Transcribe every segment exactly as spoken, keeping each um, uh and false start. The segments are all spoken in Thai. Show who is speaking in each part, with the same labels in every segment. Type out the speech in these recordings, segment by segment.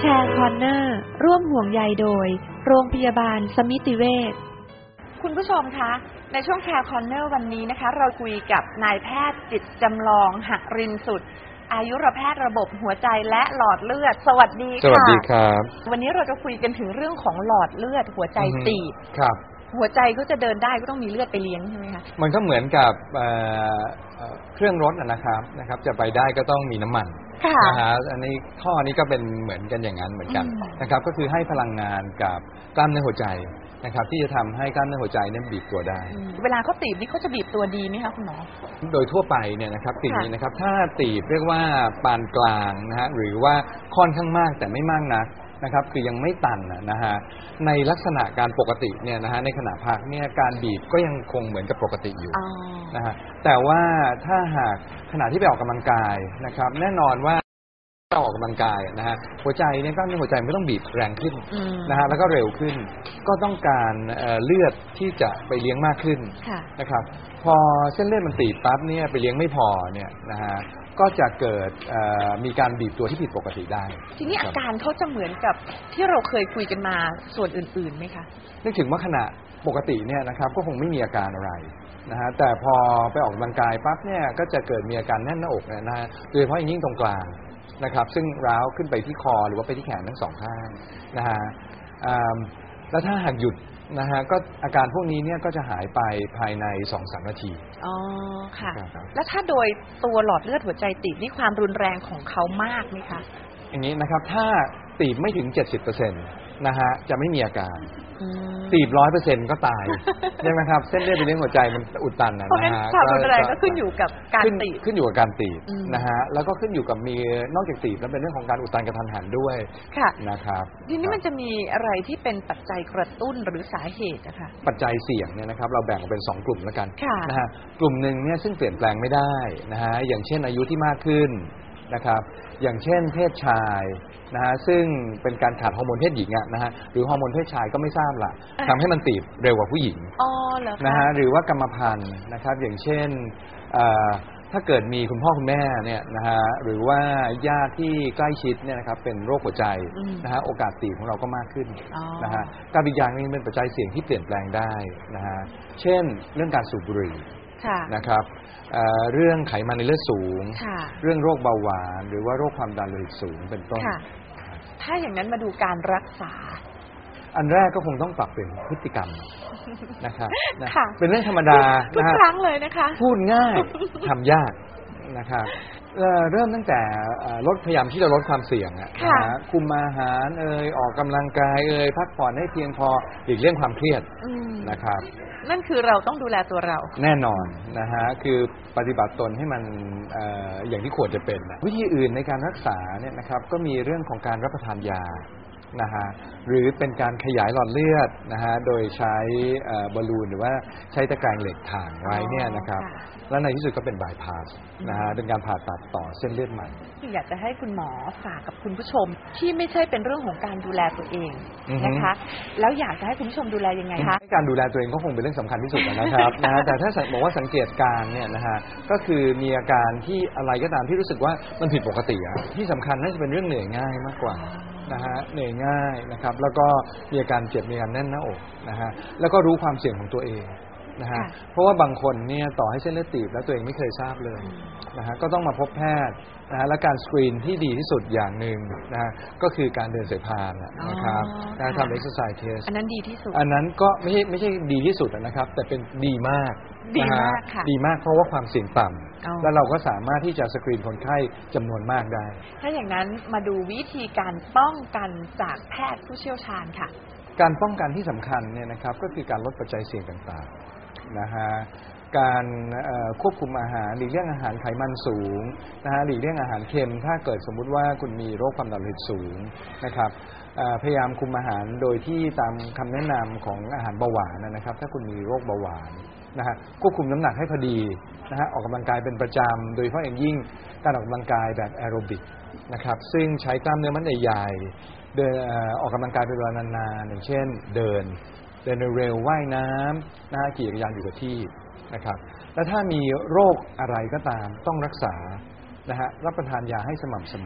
Speaker 1: แชร์คอร์เนอร์ร่วมห่วงใยโดยโรงพยาบาลสมิติเวชคุณผู้ชมคะในช่วงแชร์คอร์เนอร์วันนี้นะคะเราคุยกับนายแพทย์จิตจำลองหรินสุดอายุรแพทย์ระบบหัวใจและหลอดเลือดสวัสดีค่ะ
Speaker 2: สวัสดีครับ
Speaker 1: วันนี้เราจะคุยกันถึงเรื่องของหลอดเลือดหัวใจตีบ
Speaker 2: ครับ
Speaker 1: หัวใจก็จะเดินได้ก็ต้องมีเลือดไปเลี้ยงใช่ไหมคะ
Speaker 2: มันก็เหมือนกับเครื่องรถนะครับนะครับจะไปได้ก็ต้องมีน้ำมันนะฮะอันนี้ข้อนี้ก็เป็นเหมือนกันอย่างนั้นเหมือนกันนะครับก็คือให้พลังงานกับกล้ามเนื้อหัวใจนะครับที่จะทำให้กล้ามเนื้อหัวใจนั้นบีบตัวได้
Speaker 1: เวลาเขาตีบนี่เขาจะบีบตัวดีไหมคะคุณหมอ
Speaker 2: โดยทั่วไปเนี่ยนะครับตีบนี้นะครับถ้าตีบเรียกว่าปานกลางนะฮะหรือว่าค่อนข้างมากแต่ไม่มากนักนะครับคือยังไม่ตันนะฮะในลักษณะการปกติเนี่ยนะฮะในขณะพักเนี่ยการบีบก็ยังคงเหมือนกับปกติอยู่นะฮะแต่ว่าถ้าหากขณะที่ไปออกกำลังกายนะครับแน่นอนว่าออกกำลังกายนะฮะหัวใจเนี่ยกล้ามเนื้อหัวใจไม่ต้องบีบแรงขึ้นนะฮะแล้วก็เร็วขึ้นก็ต้องการเลือดที่จะไปเลี้ยงมากขึ้นนะครับพอเส้นเลือดมันตีบปั๊บเนี่ยไปเลี้ยงไม่พอเนี่ยนะฮะก็จะเกิดมีการบีบตัวที่ผิดปกติได้
Speaker 1: ทีนี้อาการเขาจะเหมือนกับที่เราเคยคุยกันมาส่วนอื่นๆไหมคะ
Speaker 2: นึกถึงว่าขณะปกติเนี่ยนะครับก็คงไม่มีอาการอะไรนะฮะแต่พอไปออกกำลังกายปั๊บเนี่ยก็จะเกิดมีอาการแน่นหน้าอกนะฮะโดยเฉพาะอย่างยิ่งตรงกลางนะครับซึ่งร้าวขึ้นไปที่คอหรือว่าไปที่แขนทั้งสองข้างนะฮะแล้วถ้าหากหยุดนะฮะก็อาการพวกนี้เนี่ยก็จะหายไปภายใน สองถึงสาม นาที
Speaker 1: อ๋อค่ะแล้วถ้าโดยตัวหลอดเลือดหัวใจตีบนี่ความรุนแรงของเขามากไหมคะ
Speaker 2: อย่างนี้นะครับถ้าตีบไม่ถึง เจ็ดสิบเปอร์เซ็นต์ นะฮะจะไม่มีอาการตีบ ร้อยเปอร์เซ็นต์ ก็ตายใช่ไหมครับเส้นเลือดไปเลี้ยงหัวใจมันอุดตันนะ
Speaker 1: ฮะความรุนแรงก็ขึ้นอยู่กับการตีบ
Speaker 2: ขึ้นอยู่กับการตีบนะฮะแล้วก็ขึ้นอยู่กับมีนอกจากตีบแล้วเป็นเรื่องของการอุดตันกระทันหันด้วยนะครับ
Speaker 1: ทีนี้มันจะมีอะไรที่เป็นปัจจัยกระตุ้นหรือสาเหตุนะคะ
Speaker 2: ปัจจัยเสี่ยงเนี่ยนะครับเราแบ่งออกเป็นสองกลุ่มแล้วกันนะฮะกลุ่มหนึ่งเนี่ยซึ่งเปลี่ยนแปลงไม่ได้นะฮะอย่างเช่นอายุที่มากขึ้นนะครับอย่างเช่นเพศชายนะฮะซึ่งเป็นการขาดฮอร์โมนเพศหญิงอะนะฮะหรือฮอร์โมนเพศชายก็ไม่ทราบล่ะทำให้มันตีบเร็วกว่าผู้หญิงนะฮะหรือว่ากรรมพันธุ์นะครับอย่างเช่นถ้าเกิดมีคุณพ่อคุณแม่เนี่ยนะฮะหรือว่าญาติที่ใกล้ชิดเนี่ยนะครับเป็นโรคหัวใจนะฮะโอกาสตีบของเราก็มากขึ้นนะฮะการอีกอย่างนึงเป็นปัจจัยเสี่ยงที่เปลี่ยนแปลงได้นะฮะเช่นเรื่องการสูบบุหรี่นะครับเรื่องไขมันในเลือดสูงเรื่องโรคเบาหวานหรือว่าโรคความดันโลหิตสูงเป็นต้น
Speaker 1: ถ้าอย่างนั้นมาดูการรักษา
Speaker 2: อันแรกก็คงต้องปรับเปลี่ยนพฤติกรรมนะครับเป็นเรื่องธรรมดา
Speaker 1: ทุกครั้งเลยนะคะ
Speaker 2: พูดง่ายทำยากนะครับเริ่มตั้งแต่ลดพยายามที่จะลดความเสี่ยงนะคุมอาหารเอ่ยออกกำลังกายเอ่ยพักผ่อนให้เพียงพอหลีกเลี่ยงความเครียดนะครับ
Speaker 1: นั่นคือเราต้องดูแลตัวเรา
Speaker 2: แน่นอนนะฮะคือปฏิบัติตนให้มัน อ, อย่างที่ควรจะเป็นนะวิธีอื่นในการรักษาเนี่ยนะครับก็มีเรื่องของการรับประทานยานะฮะหรือเป็นการขยายหลอดเลือดนะฮะโดยใช้บอลลูนหรือว่าใช้ตะแกรงเหล็กถ่างไว้เนี่ยนะครับและในที่สุดก็เป็นบายพาสนะฮะเป็นการผ่าตัดต่อเส้นเลือดใหม่
Speaker 1: อยากจะให้คุณหมอฝากกับคุณผู้ชมที่ไม่ใช่เป็นเรื่องของการดูแลตัวเองนะคะแล้วอยากจะให้คุณผู้ชมดูแลยังไงคะ
Speaker 2: การดูแลตัวเองก็คงเป็นเรื่องสำคัญที่สุดนะครับนะฮะแต่ถ้าบอกว่าสังเกตการเนี่ยนะฮะก็คือมีอาการที่อะไรก็ตามที่รู้สึกว่ามันผิดปกติอ่ะที่สำคัญน่าจะเป็นเรื่องเหนื่อยง่ายมากกว่านะฮะเหนื่อยง่ายนะครับแล้วก็มีอาการเจ็บมีอาการแน่นหน้าอกนะฮะแล้วก็รู้ความเสี่ยงของตัวเองนะฮะเพราะว่าบางคนเนี่ยต่อให้เส้นเลือดตีบแล้วตัวเองไม่เคยทราบเลยนะฮะก็ต้องมาพบแพทย์นะฮะและการสกรีนที่ดีที่สุดอย่างหนึ่งนะฮะก็คือการเดินสายพานนะครับการทำเอ็กซ์ไซส์เทส
Speaker 1: อันนั้นดีที่สุด
Speaker 2: อันนั้นก็ไม่ใช่ไม่ใช่ดีที่สุดนะครับแต่เป็นดีมาก
Speaker 1: ดีมากค่ะ
Speaker 2: ดีมากเพราะว่าความเสี่ยงต่ำแล้วเราก็สามารถที่จะสกรีนคนไข้จำนวนมากได้
Speaker 1: ถ้าอย่างนั้นมาดูวิธีการป้องกันจากแพทย์ผู้เชี่ยวชาญค่ะ
Speaker 2: การป้องกันที่สำคัญเนี่ยนะครับก็คือการลดปัจจัยเสี่ยงต่างๆนะฮะการควบคุมอาหารหลีกเลี่ยงอาหารไขมันสูงนะฮะหลีกเลี่ยงอาหารเค็มถ้าเกิดสมมุติว่าคุณมีโรคความดันโลหิตสูงนะครับพยายามคุมอาหารโดยที่ตามคำแนะนำของอาหารเบาหวานนะครับถ้าคุณมีโรคเบาหวานนะฮะควบคุมน้ำหนักให้พอดีนะฮะออกกำลังกายเป็นประจำโดยเฉพาะอย่างยิ่งการออกกำลังกายแบบแอโรบิกนะครับซึ่งใช้กล้ามเนื้อมัดใหญ่ๆเดินออกกำลังกายเป็นเวลานานๆอย่างเช่นเดินเดินเร็วว่ายน้ำนะฮะขี่จักรยานอยู่กับที่นะครับและถ้ามีโรคอะไรก็ตามต้องรักษานะฮะรับประทานยาให้สม่ำเสมอ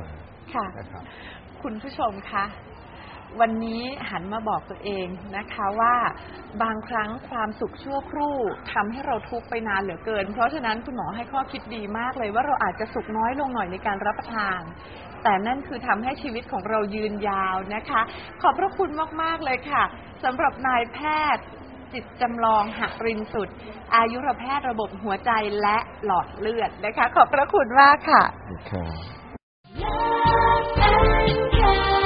Speaker 2: นะครับ
Speaker 1: คุณผู้ชมคะวันนี้หันมาบอกตัวเองนะคะว่าบางครั้งความสุขชั่วครู่ทำให้เราทุกข์ไปนานเหลือเกินเพราะฉะนั้นคุณหมอให้ข้อคิดดีมากเลยว่าเราอาจจะสุขน้อยลงหน่อยในการรับประทานแต่นั่นคือทำให้ชีวิตของเรายืนยาวนะคะขอบพระคุณมากๆเลยค่ะสำหรับนายแพทย์จิตจำลองหรินสุดอายุรแพทย์ระบบหัวใจและหลอดเลือดนะคะขอบพระคุณมากค่ะ